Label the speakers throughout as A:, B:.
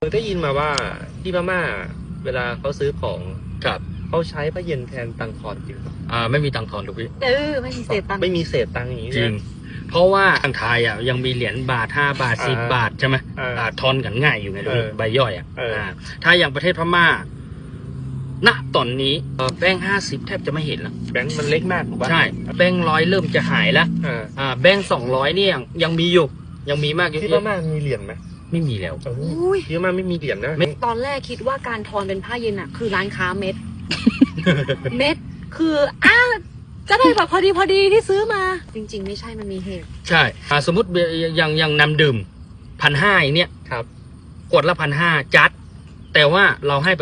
A: ได้ยินมาว่าที่พม่าเวลาเขาซื้อของ
B: ครับ
A: เขาใช้ผ้าเย็นแทนตังค์ทอนจริงปะ
B: ไม่มีตังค์ทอนหรอกพี่
C: ไม่มีเศษตังค์
A: ไม่มีเศษตังค์อย่างนี้
B: จริง เพราะว่าทางไทยยังมีเหรียญบาท5 บาท10 บาทใช่ไหมทอนกันง่ายอยู่ไงลูกใบย่อยถ้าอย่างประเทศพม่าณตอนนี้แบงค์50แทบจะไม่เห็นแล้ว
A: แบงค์มันเล็กมากถูกปะ
B: ใช่แบงค์100เริ่มจะหายแล้วแบงค์200นี่ยังมีอยู่ยังมีมากอยู่
A: ที่พม่ามีเหรียญไหม
B: ไม่มีแล้ว
A: ที่พม่าไม่มีเหรียญนะ
C: ตอนแรกคิดว่าการทอนเป็นผ้าเย็นอะคือร้านค้าเม็ด เม็ดคือจะได้แบบพอดีที่ซื้อมา จริง ๆ ไม่ใช่มันมีเหตุ
B: ใช่สมมติอย่างนำดื่ม1,500อย่างเนี้ย
A: ครับ
B: ขวดละ1,500จัด แต่ว่าเราให้ไป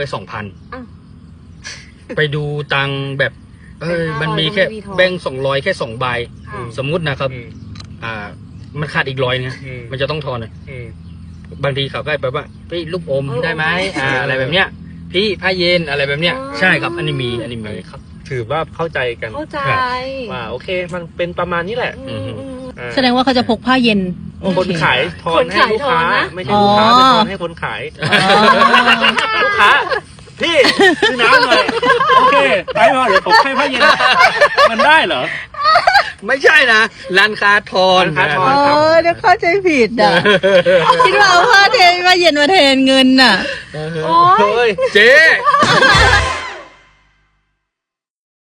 B: 2,000 ไปดูตังค์แบบมันมีแค่แบงค์200แค่2 ใบ สมมุตินะครับมันขาดอีก100เนี่ยมันจะต้องทอนเลยบางทีเขาก็ไปว่าพี่ลูกอมได้ไหมอะไรแบบเนี้ยพี่ผ้าเย็นอะไรแบบเนี้ยใช่ครับอันนี้มี
A: ครับถือว่าเข้าใจกัน
C: เข้าใจ
A: ว่าโอเคมันเป็นประมาณนี้แหละ
D: แสดงว่าเขาจะพกผ้าเย็น
A: คนขายทอนให้ลูกค้าไม่ใช่ลูกค้าทอนให้คนขายลูกค้าพี่ซื้อน้ำหน่อยโอเคไปพอเดี๋ยวผมให้ผ้าเย็นมันได้เหรอ
B: ไม่ใช่นะร้านค้าทอน
D: เดี๋ยวเข้าใจผิดอ่ะ คิดว่าเอาผ้าเย็นมาแทนเงินอ่ะ
B: โอ้ยเจ๊